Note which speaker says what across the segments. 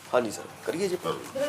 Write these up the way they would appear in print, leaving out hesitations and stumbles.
Speaker 1: हाँ जी सर करिए जी।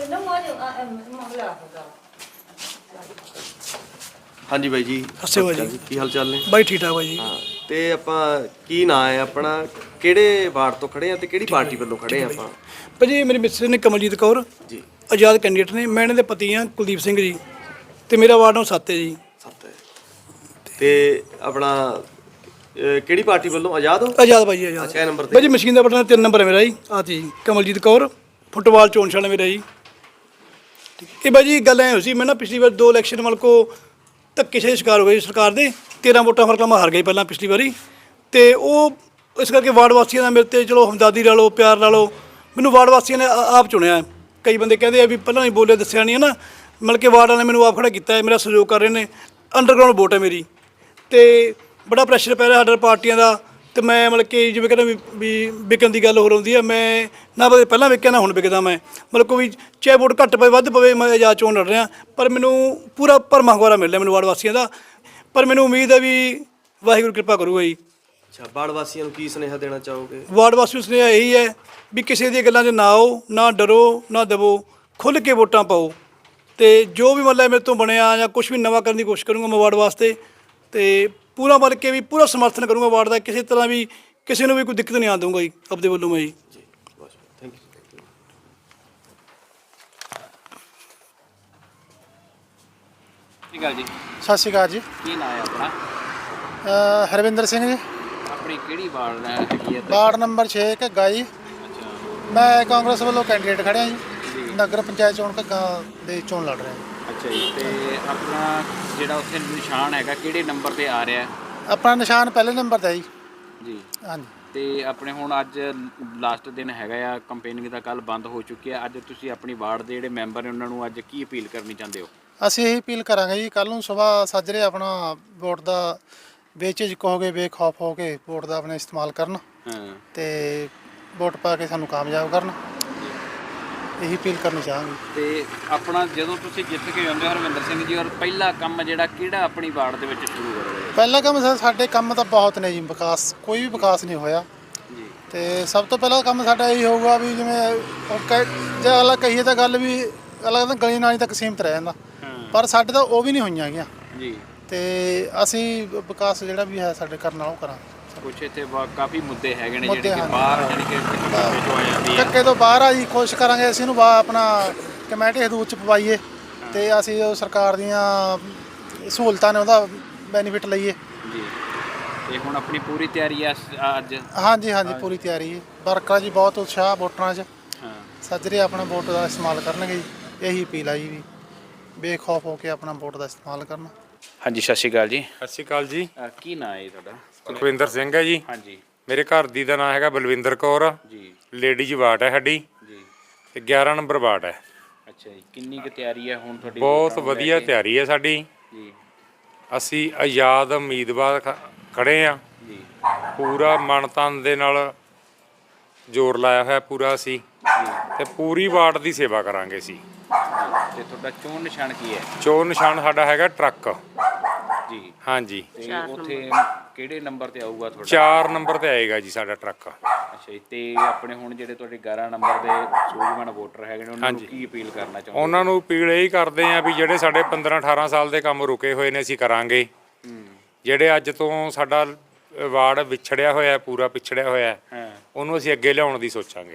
Speaker 1: हाँ जी बाई जी
Speaker 2: ਸਤਿ ਸ਼੍ਰੀ ਅਕਾਲ
Speaker 1: जी की हाल चाल ने
Speaker 2: ਬਾਈ ਠੀਕ ਠਾਕ ਬਾਈ ਜੀ।
Speaker 1: हाँ ਤੇ ਆਪਾਂ ਕੀ ਨਾਂ ਹੈ ਆਪਣਾ ਕਿਹੜੇ ਵਾਰਡ ਤੋਂ ਖੜੇ ਆ ਤੇ ਕਿਹੜੀ ਪਾਰਟੀ ਵੱਲੋਂ ਖੜੇ ਆ ਆਪਾਂ
Speaker 2: ਭਾਜੀ ਮੇਰੀ ਮਿਸਿਸ ਨੇ ਕਮਲਜੀਤ ਕੌਰ
Speaker 1: ਜੀ
Speaker 2: ਆਜ਼ਾਦ ਕੈਂਡੀਡੇਟ ਨੇ, ਮੈਂ ਇਹਨਾਂ ਦੇ ਪਤੀ ਹਾਂ ਕੁਲਦੀਪ ਸਿੰਘ ਜੀ, ਤੇ ਮੇਰਾ ਵਾਰਡ ਨੰਬਰ 7 ਹੈ ਜੀ।
Speaker 1: ਸੱਤ ਹੈ ਤੇ ਆਪਣਾ ਕਿਹੜੀ ਪਾਰਟੀ ਵੱਲੋਂ ਆਜ਼ਾਦ ਹੋ
Speaker 2: ਆਜ਼ਾਦ ਭਾਈ ਆਜ਼ਾਦ।
Speaker 1: ਅੱਛਾ, ਇਹ ਨੰਬਰ ਤੇ
Speaker 2: ਭਾਜੀ ਮਸ਼ੀਨ ਦਾ ਬਟਨ 3 ਨੰਬਰ ਹੈ ਮੇਰਾ ਜੀ। ਆਹ ਜੀ ਕਮਲਜੀਤ ਕੌਰ ਫੁੱਟਬਾਲ ਚੋਣ ਨਿਸ਼ਾਨ ਮੇਰਾ ਜੀ। ਇਹ ਭਾਜੀ ਗੱਲ ਐ ਹੋਈ ਸੀ, ਮੈਂ ਨਾ ਪਿਛਲੀ ਵਾਰ 2 ਇਲੈਕਸ਼ਨ ਮਤਲਬ ਕੋ ਧੱਕੇਸ਼ਾਹੀ ਸ਼ਿਕਾਰ ਹੋ ਗਏ ਸਰਕਾਰ ਦੇ। 13 ਵੋਟਾਂ ਫਰਕ ਨਾਲ ਮੈਂ ਹਾਰ ਗਈ ਪਹਿਲਾਂ ਪਿਛਲੀ ਵਾਰੀ, ਤੇ ਉਹ ਇਸ ਕਰਕੇ ਵਾਰਡ ਵਾਸੀਆਂ ਦਾ ਮੇਰੇ ਤੇ ਚਲੋ ਹਮਦਰਦੀ ਲਾ ਲਓ, ਪਿਆਰ ਲਾ ਲਓ, ਮੈਨੂੰ ਵਾਰਡ ਵਾਸੀਆਂ ਨੇ ਆਪ ਚੁਣਿਆ। ਕਈ ਬੰਦੇ ਕਹਿੰਦੇ ਆ ਵੀ ਪਹਿਲਾਂ ਨਹੀਂ ਬੋਲਿਆ ਦੱਸਿਆ ਨਹੀਂ ਹੈ ਨਾ, ਮਤਲਬ ਕਿ ਵਾਰਡ ਵਾਲਿਆਂ ਨੇ ਮੈਨੂੰ ਆਪ ਖੜਾ ਕੀਤਾ ਹੈ, ਮੇਰਾ ਸਹਿਯੋਗ ਕਰ ਰਹੇ ਨੇ। ਅੰਡਰਗਰਾਊਂਡ ਵੋਟ ਹੈ ਮੇਰੀ, ਤੇ ਬੜਾ ਪ੍ਰੈਸ਼ਰ ਪੈ ਰਿਹਾ ਸਾਡਾ ਪਾਰਟੀਆਂ ਦਾ। ਤੇ ਮੈਂ ਮਤਲਬ ਕਿ ਜਿਵੇਂ ਕਹਿੰਦਾ ਵੀ ਵਿਕਣ ਦੀ ਗੱਲ ਹੋਰ ਹੁੰਦੀ ਹੈ, ਮੈਂ ਨਾ ਪਹਿਲਾਂ ਵਿਕਿਆ ਨਾ ਹੁਣ ਵਿਕਦਾ। ਮੈਂ ਮਤਲਬ ਕੋਈ ਚਾਹੇ ਵੋਟ ਘੱਟ ਪਵੇ ਵੱਧ ਪਵੇ, ਮੈਂ ਆਜ਼ਾਦ ਚੋਣ ਲੜ ਰਿਹਾ, ਪਰ ਮੈਨੂੰ ਪੂਰਾ ਭਰਮਾ ਹੁੰਗਾਰਾ ਮਿਲ ਰਿਹਾ ਮੈਨੂੰ ਵਾਰਡ ਵਾਸੀਆਂ ਦਾ। ਪਰ ਮੈਨੂੰ ਉਮੀਦ ਹੈ ਵੀ ਵਾਹਿਗੁਰੂ ਕਿਰਪਾ ਕਰੂਗਾ ਜੀ।
Speaker 1: ਅੱਛਾ, ਵਾਰਡ ਵਾਸੀਆਂ ਨੂੰ ਕੀ ਸੁਨੇਹਾ ਦੇਣਾ ਚਾਹੋਗੇ?
Speaker 2: ਵਾਰਡ ਵਾਸੀਆਂ ਨੂੰ ਸੁਨੇਹਾ ਇਹੀ ਹੈ ਵੀ ਕਿਸੇ ਦੀਆਂ ਗੱਲਾਂ 'ਚ ਨਾ ਆਓ, ਨਾ ਡਰੋ, ਨਾ ਦਬੋ, ਖੁੱਲ੍ਹ ਕੇ ਵੋਟਾਂ ਪਾਓ। ਤੇ ਜੋ ਵੀ ਮਤਲਬ ਮੇਰੇ ਤੋਂ ਬਣਿਆ ਜਾਂ ਕੁਛ ਵੀ ਨਵਾਂ ਕਰਨ ਦੀ ਕੋਸ਼ਿਸ਼ ਕਰੂੰਗਾ ਮੈਂ ਵਾਰਡ ਵਾਸਤੇ, ਤੇ ਪੂਰਾ ਬਣ ਕੇ ਵੀ ਪੂਰਾ ਸਮਰਥਨ ਕਰੂੰਗਾ ਵਾਰਡ ਦਾ। ਕਿਸੇ ਤਰ੍ਹਾਂ ਵੀ ਕਿਸੇ ਨੂੰ ਵੀ ਕੋਈ ਦਿੱਕਤ ਨਹੀਂ ਆਉਣ ਦਊਂਗਾ ਜੀ ਆਪਦੇ ਵੱਲੋਂ ਮੈਂ ਜੀ।
Speaker 1: Thank you.
Speaker 3: ਜੀ
Speaker 4: ਸਤਿ ਸ਼੍ਰੀ ਅਕਾਲ ਜੀ।
Speaker 3: ਕੀ ਨਾਂ ਹੈ ਆਪਣਾ?
Speaker 4: ਹਰਵਿੰਦਰ ਸਿੰਘ ਜੀ,
Speaker 3: ਆਪਣੀ ਕਿਹੜੀ ਵਾਰਡ ਹੈਗੀ ਹੈ?
Speaker 4: ਵਾਰਡ ਨੰਬਰ 6 ਘੱਗਾ ਜੀ।
Speaker 3: ਅੱਛਾ
Speaker 4: ਮੈਂ ਕਾਂਗਰਸ ਵੱਲੋਂ ਕੈਂਡੀਡੇਟ ਖੜਿਆ ਜੀ, ਨਗਰ ਪੰਚਾਇਤ ਚੋਣ ਘੱਗਾ ਦੇ ਚੋਣ ਲੜ ਰਿਹਾ ਜੀ।
Speaker 3: ਅੱਛਾ ਜੀ, ਤੇ ਆਪਣਾ ਜਿਹੜਾ ਉੱਥੇ ਨਿਸ਼ਾਨ ਹੈਗਾ ਕਿਹੜੇ ਨੰਬਰ ਤੇ ਆ ਰਿਹਾ?
Speaker 4: ਆਪਣਾ ਨਿਸ਼ਾਨ ਪਹਿਲੇ ਨੰਬਰ ਤੇ ਜੀ।
Speaker 3: ਜੀ,
Speaker 4: ਹਾਂਜੀ।
Speaker 3: ਤੇ ਆਪਣੇ ਹੁਣ ਅੱਜ ਲਾਸਟ ਦਿਨ ਹੈਗਾ ਆ, ਕੰਪੇਨਿੰਗ ਦਾ ਕੱਲ ਬੰਦ ਹੋ ਚੁੱਕੀ ਹੈ। ਅੱਜ ਤੁਸੀਂ ਆਪਣੀ ਵਾਰਡ ਦੇ ਜਿਹੜੇ ਮੈਂਬਰ ਨੇ ਉਹਨਾਂ ਨੂੰ ਅੱਜ ਕੀ ਅਪੀਲ ਕਰਨੀ ਚਾਹੁੰਦੇ ਹੋ?
Speaker 4: ਅਸੀਂ ਇਹੀ ਅਪੀਲ ਕਰਾਂਗੇ ਜੀ, ਕੱਲ੍ਹ ਨੂੰ ਸੁਬਾਹ ਸਾਜਰੇ ਆਪਣਾ ਵੋਟ ਦਾ ਬੇਝਿਜਕ ਹੋ ਕੇ ਬੇਖੌਫ ਹੋ ਕੇ ਵੋਟ ਦਾ ਆਪਣੇ ਇਸਤੇਮਾਲ ਕਰਨ,
Speaker 3: ਹਾਂ,
Speaker 4: ਤੇ ਵੋਟ ਪਾ ਕੇ ਸਾਨੂੰ ਕਾਮਯਾਬ ਕਰਨ, ਇਹੀ ਅਪੀਲ ਕਰਨੀ ਚਾਹਾਂਗੇ।
Speaker 3: ਤੇ ਆਪਣਾ ਜਦੋਂ ਤੁਸੀਂ ਜਿੱਤ ਕੇ ਜਾਂਦੇ ਹੋ ਹਰਵਿੰਦਰ ਸਿੰਘ ਜੀ, ਔਰ ਪਹਿਲਾ ਕੰਮ ਜਿਹੜਾ ਕਿਹੜਾ ਆਪਣੀ ਵਾਰਡ ਦੇ ਵਿੱਚ ਸ਼ੁਰੂ ਕਰੋਗੇ?
Speaker 4: ਪਹਿਲਾ ਕੰਮ ਸਾਡੇ ਕੰਮ ਤਾਂ ਬਹੁਤ ਨੇ ਜੀ, ਵਿਕਾਸ ਕੋਈ ਵੀ ਵਿਕਾਸ ਨਹੀਂ ਹੋਇਆ।
Speaker 3: ਜੀ,
Speaker 4: ਤੇ ਸਭ ਤੋਂ ਪਹਿਲਾਂ ਕੰਮ ਸਾਡਾ ਇਹੀ ਹੋਊਗਾ ਵੀ ਜਿਵੇਂ ਜੇ ਅਗਲਾ ਕਹੀਏ ਤਾਂ ਗੱਲ ਵੀ ਅਗਲਾ ਕਹਿੰਦਾ ਗਲੀ ਨਾਲੀ ਤੱਕ ਸੀਮਤ ਰਹਿ ਜਾਂਦਾ, ਪਰ ਸਾਡੇ ਤਾਂ ਉਹ ਵੀ ਨਹੀਂ ਹੋਈਆਂ ਹੈਗੀਆਂ।
Speaker 3: ਜੀ,
Speaker 4: ਤੇ ਅਸੀਂ ਵਿਕਾਸ ਜਿਹੜਾ ਵੀ ਹੈ ਸਾਡੇ ਕਰਨ ਨਾਲ ਉਹ ਕਰਾਂਗੇ।
Speaker 3: ਕੁਛ ਇੱਥੇ ਕਾਫੀ ਮੁੱਦੇ ਹੈਗੇ ਨੇ
Speaker 4: ਮੁੱਦੇ
Speaker 3: ਜਿਹੜੇ ਕਿ
Speaker 4: ਹਨ।
Speaker 3: ਬਾਹਰ ਜਾਣੀ ਕਿ ਜੋ ਆ ਜਾਂਦੀ ਹੈ।
Speaker 4: ਧੱਕੇ ਤੋਂ ਬਾਹਰ ਆ ਜੀ, ਕੋਸ਼ਿਸ਼ ਕਰਾਂਗੇ ਅਸੀਂ ਇਹਨੂੰ ਆਪਣਾ ਕਮੇਟੀ ਹਦੂਦ ਚ ਪਵਾਈਏ, ਤੇ ਅਸੀਂ ਉਹ ਸਰਕਾਰ ਦੀਆਂ ਸਹੂਲਤਾਂ ਨੇ ਉਹਦਾ ਬੈਨੀਫਿਟ ਲਈਏ।
Speaker 3: ਜੀ, ਤੇ ਹੁਣ ਆਪਣੀ ਪੂਰੀ ਤਿਆਰੀ ਆ ਅੱਜ?
Speaker 4: ਹਾਂਜੀ ਹਾਂਜੀ, ਪੂਰੀ ਤਿਆਰੀ ਹੈ। ਵਰਕਰਾਂ ਜੀ ਬਹੁਤ ਉਤਸ਼ਾਹ ਵੋਟਰਾਂ 'ਚ,
Speaker 3: ਹਾਂ,
Speaker 4: ਸੱਜਰੇ ਆਪਣਾ ਵੋਟ ਦਾ ਇਸਤੇਮਾਲ ਕਰਨਗੇ ਜੀ। ਇਹੀ ਅਪੀਲ ਆ ਜੀ ਵੀ ਬੇਖੌਫ ਹੋ ਕੇ ਆਪਣਾ ਵੋਟ ਦਾ ਇਸਤੇਮਾਲ ਕਰਨਾ।
Speaker 3: ਹਾਂਜੀ, ਸਤਿ ਸ਼੍ਰੀ ਅਕਾਲ ਜੀ।
Speaker 5: ਸਤਿ ਸ਼੍ਰੀ ਅਕਾਲ ਜੀ।
Speaker 3: ਕੀ ਨਾਂ ਹੈ ਤੁਹਾਡਾ?
Speaker 5: ਸੁਖਵਿੰਦਰ ਸਿੰਘ ਹੈ ਜੀ।
Speaker 3: ਹਾਂਜੀ
Speaker 5: ਮੇਰੇ ਘਰ ਦੀ ਦਾ ਨਾਮ ਹੈਗਾ ਬਲਵਿੰਦਰ ਕੌਰ।
Speaker 3: ਜੀ,
Speaker 5: ਲੇਡੀਜ਼ ਵਾਰਡ ਹੈ ਸਾਡੀ,
Speaker 3: ਜੀ,
Speaker 5: ਤੇ 11 ਨੰਬਰ ਵਾਰਡ ਹੈ।
Speaker 3: ਅੱਛਾ ਜੀ, ਕਿੰਨੀ ਕੁ ਤਿਆਰੀ ਹੈ ਹੁਣ ਤੁਹਾਡੀ?
Speaker 5: ਬਹੁਤ
Speaker 3: ਵੋਟਾਂ ਨੂੰ ਲੈ
Speaker 5: ਵਧੀਆ
Speaker 3: ਕੇ?
Speaker 5: ਤਿਆਰੀ ਹੈ ਸਾਡੀ।
Speaker 3: ਜੀ,
Speaker 5: ਅਸੀਂ ਆਜ਼ਾਦ ਉਮੀਦਵਾਰ ਖੜੇ ਆ,
Speaker 3: ਜੀ,
Speaker 5: ਪੂਰਾ ਮਨ ਤਨ ਦੇ ਨਾਲ ਜ਼ੋਰ ਲਾਇਆ ਹੋਇਆ ਪੂਰਾ ਅਸੀਂ, ਤੇ ਪੂਰੀ ਵਾਰਡ ਦੀ ਸੇਵਾ ਕਰਾਂਗੇ ਅਸੀਂ।
Speaker 3: ਤੇ ਤੁਹਾਡਾ ਚੋਣ ਨਿਸ਼ਾਨ ਕੀ ਹੈ?
Speaker 5: ਚੋਣ ਨਿਸ਼ਾਨ ਸਾਡਾ ਹੈਗਾ ਟਰੱਕ।
Speaker 3: ਜੀ,
Speaker 5: ਹਾਂਜੀ,
Speaker 3: ਤੇ ਉੱਥੇ ਕਿਹੜੇ ਨੰਬਰ ਤੇ ਆਊਗਾ ਤੁਹਾਡਾ?
Speaker 5: 4 ਨੰਬਰ ਤੇ ਆਏਗਾ ਜੀ ਸਾਡਾ ਟਰੱਕ।
Speaker 3: ਅੱਛਾ ਜੀ, ਤੇ ਆਪਣੇ ਹੁਣ ਜਿਹੜੇ ਤੁਹਾਡੇ 11 ਨੰਬਰ ਦੇ ਸੂਝਵਾਨ ਵੋਟਰ ਹੈਗੇ ਨੇ ਉਹਨਾਂ ਨੂੰ ਕੀ ਅਪੀਲ ਕਰਨਾ ਚਾਹੁੰਦੇ?
Speaker 5: ਉਹਨਾਂ ਨੂੰ ਅਪੀਲ ਇਹੀ ਕਰਦੇ ਆ ਵੀ ਜਿਹੜੇ ਸਾਡੇ 15-18 ਸਾਲ ਦੇ ਕੰਮ ਰੁਕੇ ਹੋਏ ਨੇ ਅਸੀਂ ਕਰਾਂਗੇ। ਜਿਹੜੇ ਅੱਜ ਤੋਂ ਸਾਡਾ ਵਾਰਡ ਵਿਛੜਿਆ ਹੋਇਆ, ਪੂਰਾ ਪਿਛੜਿਆ ਹੋਇਆ,
Speaker 3: ਹਾਂ,
Speaker 5: ਉਹਨੂੰ ਅਸੀਂ ਅੱਗੇ ਲਿਆਉਣ ਦੀ ਸੋਚਾਂਗੇ।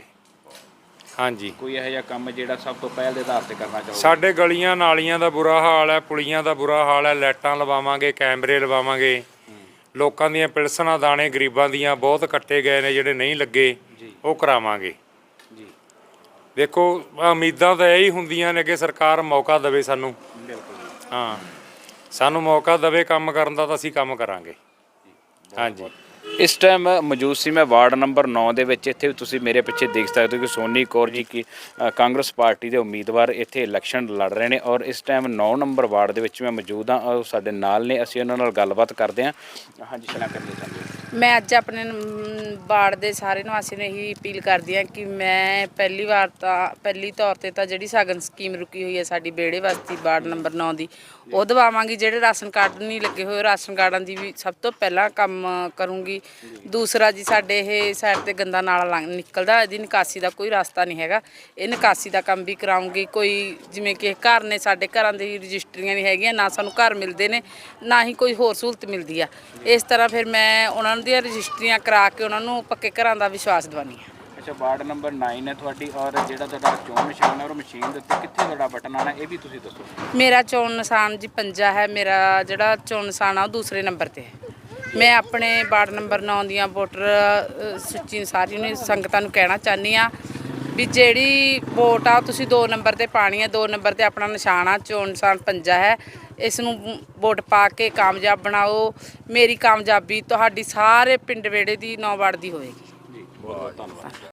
Speaker 5: ਹਾਂਜੀ,
Speaker 3: ਕੋਈ ਇਹੋ ਜਿਹਾ ਕੰਮ ਜਿਹੜਾ ਸਭ ਤੋਂ ਪਹਿਲ ਦੇ ਆਧਾਰ ਤੇ ਕਰਨਾ ਚਾਹੋਗੇ?
Speaker 5: ਸਾਡੇ ਗਲੀਆਂ ਨਾਲੀਆਂ ਦਾ ਬੁਰਾ ਹਾਲ ਹੈ, ਪੁਲੀਆਂ ਦਾ ਬੁਰਾ ਹਾਲ ਹੈ, ਲਾਈਟਾਂ ਲਵਾਵਾਂਗੇ, ਕੈਮਰੇ ਲਵਾਵਾਂਗੇ। ਲੋਕਾਂ ਦੀਆਂ ਪਿਲਸਣਾ ਦਾਣੇ ਗਰੀਬਾਂ ਦੀਆਂ ਬਹੁਤ ਕੱਟੇ ਗਏ ਨੇ, ਜਿਹੜੇ ਨਹੀਂ ਲੱਗੇ ਉਹ ਕਰਾਵਾਂਗੇ।
Speaker 3: ਜੀ,
Speaker 5: ਦੇਖੋ ਉਮੀਦਾਂ ਤਾਂ ਇਹੀ ਹੁੰਦੀਆਂ ਨੇ ਕਿ ਸਰਕਾਰ ਮੌਕਾ ਦੇਵੇ ਸਾਨੂੰ।
Speaker 3: ਬਿਲਕੁਲ।
Speaker 5: ਹਾਂ, ਸਾਨੂੰ ਮੌਕਾ ਦੇਵੇ ਕੰਮ ਕਰਨ ਦਾ, ਤਾਂ ਅਸੀਂ ਕੰਮ ਕਰਾਂਗੇ। ਹਾਂਜੀ,
Speaker 3: ਇਸ ਟਾਈਮ ਮੌਜੂਦ ਸੀ ਮੈਂ ਵਾਰਡ ਨੰਬਰ 9 ਦੇ ਵਿੱਚ। ਇੱਥੇ ਤੁਸੀਂ ਮੇਰੇ ਪਿੱਛੇ ਦੇਖ ਸਕਦੇ ਹੋ ਕਿ ਸੋਨੀ ਕੌਰ ਜੀ ਕੀ ਕਾਂਗਰਸ ਪਾਰਟੀ ਦੇ ਉਮੀਦਵਾਰ ਇੱਥੇ ਇਲੈਕਸ਼ਨ ਲੜ ਰਹੇ ਨੇ, ਔਰ ਇਸ ਟਾਈਮ 9 ਨੰਬਰ ਵਾਰਡ ਦੇ ਵਿੱਚ ਮੈਂ ਮੌਜੂਦ ਹਾਂ। ਉਹ ਸਾਡੇ ਨਾਲ ਨੇ, ਅਸੀਂ ਉਹਨਾਂ ਨਾਲ ਗੱਲਬਾਤ ਕਰਦੇ ਹਾਂ। ਹਾਂਜੀ, ਸ਼ਨਾ ਕਰਨੀ ਚਾਹੁੰਦੇ ਹੋ?
Speaker 6: ਮੈਂ ਅੱਜ ਆਪਣੇ ਵਾਰਡ ਦੇ ਸਾਰੇ ਨਿਵਾਸੀਆਂ ਨੂੰ ਇਹੀ ਅਪੀਲ ਕਰਦੀ ਹਾਂ ਕਿ ਮੈਂ ਪਹਿਲੀ ਤੌਰ ਤੇ ਤਾਂ ਜਿਹੜੀ ਸ਼ਗਨ ਸਕੀਮ ਰੁਕੀ ਹੋਈ ਹੈ ਸਾਡੀ ਬੇੜੇ ਬਸਤੀ ਵਾਰਡ ਨੰਬਰ 9 ਦੀ, ਉਹ ਦਵਾਵਾਂਗੀ। ਜਿਹੜੇ ਰਾਸ਼ਨ ਕਾਰਡ ਨਹੀਂ ਲੱਗੇ ਹੋਏ ਰਾਸ਼ਨ ਕਾਰਡਾਂ ਦੀ ਵੀ ਸਭ ਤੋਂ ਪਹਿਲਾਂ ਕੰਮ ਕਰੂੰਗੀ। ਦੂਸਰਾ ਜੀ ਸਾਡੇ ਇਹ ਸਾਈਡ ਤੇ ਗੰਦਾ ਨਾਲਾ ਨਿਕਲਦਾ, ਇਹਦੀ ਨਿਕਾਸੀ ਦਾ ਕੋਈ ਰਸਤਾ ਨਹੀਂ ਹੈਗਾ, ਇਹ ਨਿਕਾਸੀ ਦਾ ਕੰਮ ਵੀ ਕਰਾਉਂਗੀ। ਕੋਈ ਜਿਵੇਂ ਕਿ ਘਰ ਨੇ ਸਾਡੇ, ਘਰਾਂ ਦੀ ਰਜਿਸਟਰੀਆਂ ਨਹੀਂ ਹੈਗੀਆਂ, ਨਾ ਸਾਨੂੰ ਘਰ ਮਿਲਦੇ ਨੇ, ਨਾ ਹੀ ਕੋਈ ਹੋਰ ਸਹੂਲਤ ਮਿਲਦੀ ਆ। ਇਸ ਤਰ੍ਹਾਂ ਫਿਰ ਮੈਂ ਉਹਨਾਂ ਦੀਆਂ ਰਜਿਸਟਰੀਆਂ ਕਰਾ ਕੇ ਉਹਨਾਂ ਨੂੰ ਪੱਕੇ ਘਰਾਂ ਦਾ ਵਿਸ਼ਵਾਸ ਦਿਵਾਉਂਦੀ ਹਾਂ।
Speaker 3: ਅੱਛਾ, ਵਾਰਡ ਨੰਬਰ 9 ਹੈ ਤੁਹਾਡੀ, ਔਰ ਜਿਹੜਾ ਤੁਹਾਡਾ ਚੋਣ ਨਿਸ਼ਾਨ ਹੈ ਉਹ ਮਸ਼ੀਨ ਦੇ ਉੱਤੇ ਕਿੱਥੇ ਤੁਹਾਡਾ ਬਟਨ ਆਣਾ, ਇਹ ਵੀ ਤੁਸੀਂ ਦੱਸੋ।
Speaker 6: ਮੇਰਾ ਚੋਣ ਨਿਸ਼ਾਨ ਜੀ ਪੰਜਾ ਹੈ। ਮੇਰਾ ਜਿਹੜਾ ਚੋਣ ਨਿਸ਼ਾਨ ਆ ਉਹ ਦੂਸਰੇ ਨੰਬਰ ਤੇ ਹੈ। ਮੈਂ ਆਪਣੇ ਵਾਰਡ ਨੰਬਰ 9 ਦੀਆਂ ਵੋਟਰ ਸੱਚੀ ਸਾਰੀ ਨੂੰ ਸੰਗਤਾਂ ਨੂੰ ਕਹਿਣਾ ਚਾਹੁੰਦੀ ਆ ਵੀ ਜਿਹੜੀ ਵੋਟ ਆ ਤੁਸੀਂ 2 ਨੰਬਰ ਤੇ ਪਾਣੀ ਹੈ। 2 ਨੰਬਰ ਤੇ ਆਪਣਾ ਨਿਸ਼ਾਨ ਆ, ਚੋਣ ਨਿਸ਼ਾਨ ਪੰਜਾ ਹੈ। ਇਸ ਨੂੰ ਵੋਟ ਪਾ ਕੇ ਕਾਮਯਾਬ ਬਣਾਓ। ਮੇਰੀ ਕਾਮਯਾਬੀ ਤੁਹਾਡੀ ਸਾਰੇ ਪਿੰਡ ਵੇੜੇ ਦੀ 9 ਵਾਰਡ ਦੀ ਹੋਏਗੀ।
Speaker 3: ਜੀ, ਬਹੁਤ ਬਹੁਤ ਧੰਨਵਾਦ।